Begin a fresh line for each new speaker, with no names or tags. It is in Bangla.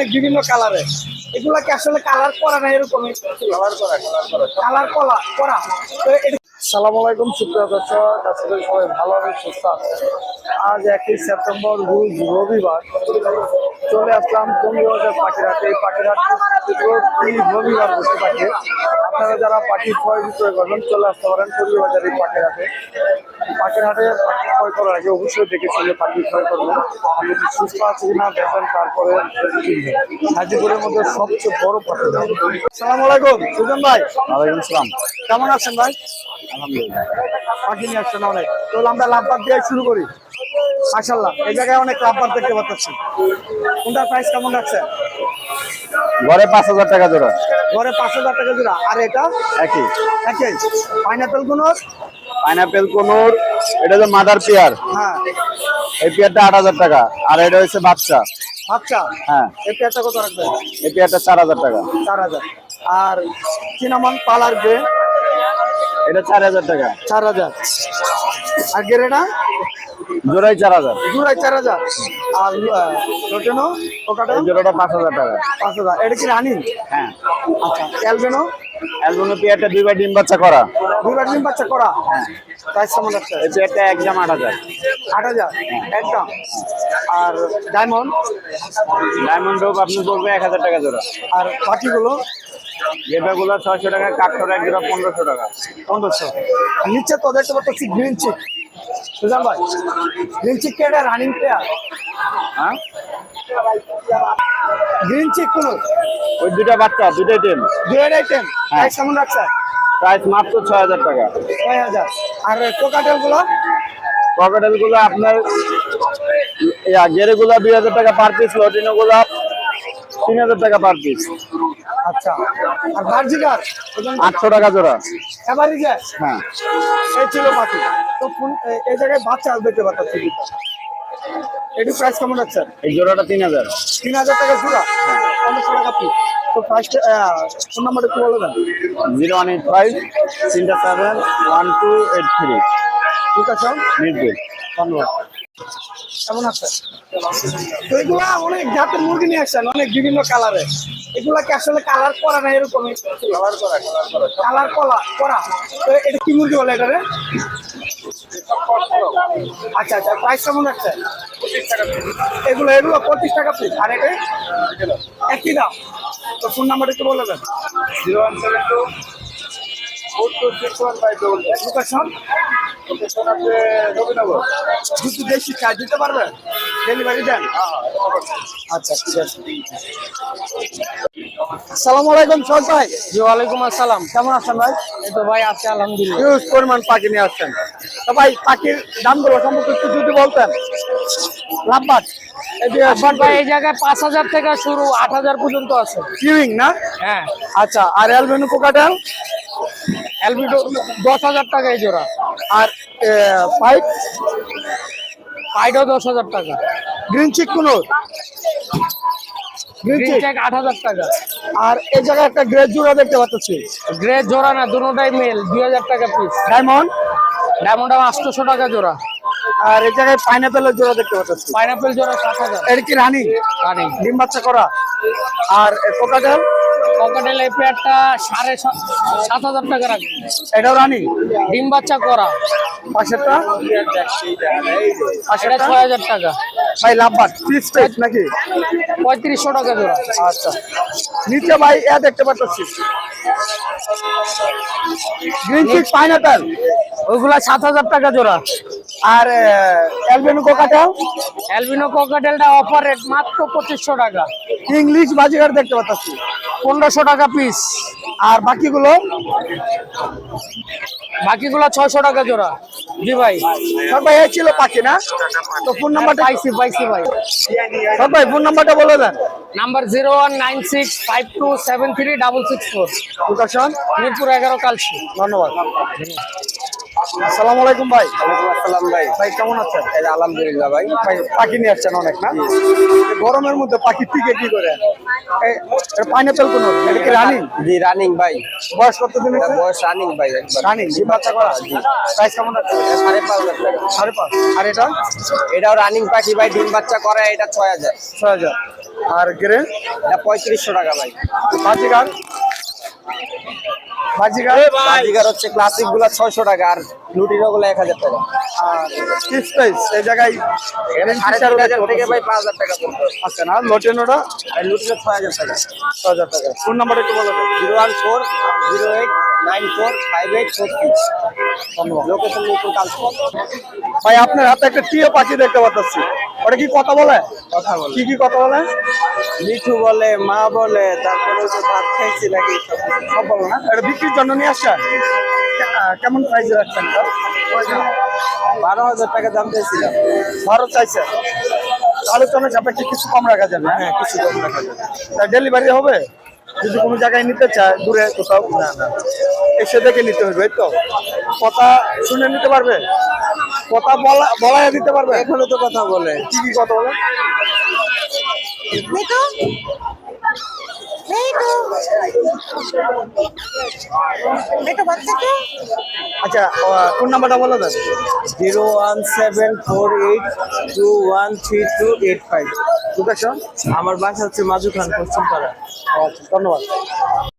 অনেক বিভিন্ন কালারের। এগুলা কি আসলে কালার করা না এরকম? কালার করা। তো আসসালামু আলাইকুম সুপ্রিয় দর্শক, আসলে সবাই ভালো হবে, সুস্থ আছে। আজ 1 সেপ্টেম্বর রোজ রবিবার চলে আসলাম টঙ্গীবাজার পাখিরহাটে। এই পাখিরহাট প্রতি রবিবার বসে থাকে। আপনারা যারা পাখি ক্রয় বিক্রয় করবেন চলে আসতে পারেন টঙ্গীবাজার এই পাখিরহাটে। পাখিরহাটে পাখি ক্রয় করার আগে অবশ্যই দেখে চলে পাখি ক্রয় করবেন। আপনি সুস্থ আছে কিনা দেখবেন, তারপরে কিনবেন। হাজিপুরের মধ্যে সবচেয়ে বড় পাখি। আসসালামু আলাইকুম সুজন ভাই।
ওয়ালাইকুম আসসালাম।
কেমন আছেন ভাই?
আলহামদুলিল্লাহ।
পাখি নিয়ে আসছেন অনেক। তো আমরা লাভবাদ দিয়ে শুরু করি। মাশাআল্লাহ, এই জায়গায় অনেক লাভবাদ দেখতে পাচ্ছি। কোনটার প্রাইস কেমন রাখছে?
ঘরে 5,000 টাকা জোড়া।
ঘরে 5,000 টাকা জোড়া। আর এটা
একই।
একই। পাইনাপেল কোন?
পাইনাপেল কোনোর, এটা হচ্ছে মাদার পেয়ার।
হ্যাঁ।
এই পেয়ারটা 8,000 টাকা। আর এটা হচ্ছে বাচ্চা।
আচ্ছা,
হ্যাঁ।
এই পেয়ারটা কত রাখবেন?
এই পেয়ারটা 4,000 টাকা।
4,000। আর চিনামন পালার গ্রে,
এটা 4,000 টাকা।
4,000। আর গেরেটা
জোড়াই 4,000।
জোড়ায় 4,000। আর লোটেনো ওকাটা
এই জোড়াটা 5,000 টাকা।
5,000। এটা কি রানিং?
হ্যাঁ।
আচ্ছা, অ্যালবেনো?
অ্যালবিনো পেয়ারটা 2 ডিম বাচ্চা করা।
দুবার ডিম বাচ্চা করা।
হ্যাঁ।
প্রাইস কেমন রাখছে?
এই পেয়ারটা একদম 8,000।
8,000 একদম। আর ডায়মন্ড?
ডায়মন্ড ডোব আপনি পড়বে 1,000 টাকা জোড়া।
আর বাকিগুলো?
গেটাগুলো 600 টাকা, কাঠঠোরা এক জোড়া 1,500 টাকা।
1500। আর নিচে তো দেখতে পাচ্ছি গ্রিন চিক। সুজান ভাই, গ্রিন চিক কে এটা রানিং পেয়ার?
হ্যাঁ।
গ্রিন চিক কোন?
ওই দুটা বাচ্চা, দুটাই টেম।
দুয়ের আইটেম। প্রাইস কেমন রাখছে?
প্রাইস মাত্র 6,000 টাকা।
6,000। আর কোকাটেল গুলো?
পকেটেল গুলো আপনার গেরে গুলা 2,000 টাকা পার পিস, লটিনো গুলা 3,000 টাকা পার পিস।
আচ্ছা। আর বার্জিকার
800 টাকা জোড়া।
এভারেজে?
হ্যাঁ।
এই ছিল পাখি। তো এই জায়গায় বাচ্চা দেখতে পাচ্ছি। এটির প্রাইস কেমন রাখছে?
এই জোড়াটা 3,000।
3,000 টাকা জোড়া। 1500 টাকা পিস। তো প্রাইসটা ফোন নাম্বারটা একটু বলে দেন।
0185 37 1283।
ঠিক আছে,
মিরপুর।
ধন্যবাদ। কেমন আছে? তো এগুলা অনেক জাতের মুরগি নিয়ে আসছেন, অনেক বিভিন্ন কালারের। এগুলা কি আসলে কালার করা না এরকম? কালার করা। তো এটা কি মুরগি বলে এটারে? আচ্ছা আচ্ছা, প্রাইস কেমন রাখছে? এগুলো 25 টাকা পিস। আর এটা একই দাম। তো ফোন নাম্বারটা একটু বলে দেন।
0172 426152।
লোকেশন?
লোকেশন আছে নবীনগর।
দুটো দেশি চার্জ দিতে পারবেন? ডেলিভারি দেন? আচ্ছা, ঠিক আছে। আসসালামু আলাইকুম সজ ভাই।
জি ওয়ালাইকুম আসসালাম।
কেমন আছেন ভাই?
এই তো ভাই আছে আলহামদুলিল্লাহ।
হিউজ পরিমাণ পাখি নিয়ে আসছেন। তো ভাই পাখির দামগুলো সম্পর্কে একটু যদি বলতেন। লাভবাদ
আবার ভাই এই জায়গায় 5,000 থেকে শুরু, 8,000 পর্যন্ত আছে।
কিউইং না?
হ্যাঁ।
আচ্ছা। আর অ্যালবেনো কোকাটেল?
অ্যালবিনো 10,000 টাকা এই জোড়া।
আর পাইপ?
পাইডও 10,000 টাকা।
গ্রিন চিক কোন? Green
green
cheek.
চেক 8,000 টাকা।
আর এই জায়গায় একটা গ্রে জোড়া দেখতে পাচ্ছি।
গ্রে জোড়া না, দুটোটাই মেল, 2,000 টাকা পিস।
ডায়মন্ড?
ডায়মন্ড 800 টাকা জোড়া।
আর এই জায়গায় পাইনাপেলের জোড়া দেখতে পাচ্ছি।
পাইনাপেল জোড়া 7,000।
এটা কি রানিং?
রানিং।
ডিম বাচ্চা করা? আর কোকাটেল?
ককাটেল এই পেয়ারটা 7,500 টাকা রাখবে।
এটাও রানিং?
ডিম বাচ্চা করা।
পাশেরটা?
এটা 6,000 টাকা।
ভাই লাভবাদ পিস টাইপ নাকি?
3,500 টাকা জোড়া।
আচ্ছা। নিচে ভাই দেখতে পাচ্ছি গ্রিন চিক পাইনাপেল,
ওইগুলা 7,000 টাকা জোড়া।
আর অ্যালবেনো কোকাটেল?
অ্যালবিনো ককাটেলটা অফার রেট মাত্র 2,500 টাকা।
ইংলিশ বাজিগার দেখতে পাচ্ছি
1,500 টাকা পিস।
আর বাকিগুলো?
বাকিগুলো 600 টাকা জোড়া। জি ভাই।
সব ভাই এই ছিল পাখি না? তো ফোন নাম্বারটা
পাইছি ভাই।
সব ভাই ফোন নাম্বারটা বলে দেন।
নাম্বার 019652736664।
লোকেশন?
মিরপুর 11 কালসি।
ধন্যবাদ। আসসালামু আলাইকুম ভাই।
ওয়ালাইকুম আসসালাম ভাই।
ভাই কেমন আছেন?
এই আলহামদুলিল্লাহ ভাই।
ভাই পাখি নিয়ে আসছেন অনেক না? এই গরমের মধ্যে পাখি টিকে কি করে? পাইনাপেল কোন? এটা কি রানিং?
জি রানিং ভাই।
বয়স কতদিন?
এটা বয়স রানিং ভাই একবার।
রানিং ডিম বাচ্চা করা? প্রাইস কেমন আছে?
5,500 টাকা।
5.5। আর এটা?
এটাও রানিং পাখি ভাই, ডিম বাচ্চা করে, এটা 6,000।
6,000। আর গ্রে
এটা 3500 টাকা ভাই।
বাজিগার বাজিগার
বাজিগার হচ্ছে ক্লাসিক গুলা 600 টাকা আর লুটিনো গুলা 1000 টাকা।
আর ফিক্স প্রাইস এই জায়গায়
এটা 3500 থেকে ভাই 5000 টাকা পড়বে।
আছে না লোটেনোটা
আর লুটিনো 6000 টাকা।
6000 টাকা। ফোন নাম্বার একটু বলে দেন।
01408945843।
ধন্যবাদ।
লোকেশন মিরপুর কালসন।
ভাই আপনার হাতে একটা টিয়া পাখি দেখতে পাচ্ছি, ওটা কি কথা বলে?
কথা বলে।
কি কি কথা বলে?
মিঠু বলে, মা বলে, তারপরে ওই যে ভাত খাইছি নাকি সব কিছু।
সব বলো না? এটা বিক্রির জন্য নিয়ে আসছেন? কেমন প্রাইসে রাখছেন এটা?
12,000 টাকা দাম চাইছিলাম।
ভারত চাইছে আলোচনা সাপেক্ষে কিছু কম রাখা যাবে।
হ্যাঁ, কিছু কম রাখা যাবে।
ডেলিভারি হবে যদি কোনো জায়গায় নিতে চায় দূরে কোথাও?
না না,
এসে দেখে নিতে হবে, এই তো? কথা শুনে নিতে পারবে? কথা বলা দিতে পারবে?
এখনো তো কথা বলে।
কি কি কথা বলে?
মিঠু মিঠু মিঠু বাচ্চাকে
আচ্ছা কোন নাম্বারটা বলে দেন।
01748213285।
লোকেশন?
আমার বাসা হচ্ছে মাজু খান, পশ্চিম পাড়া।
আচ্ছা, ধন্যবাদ।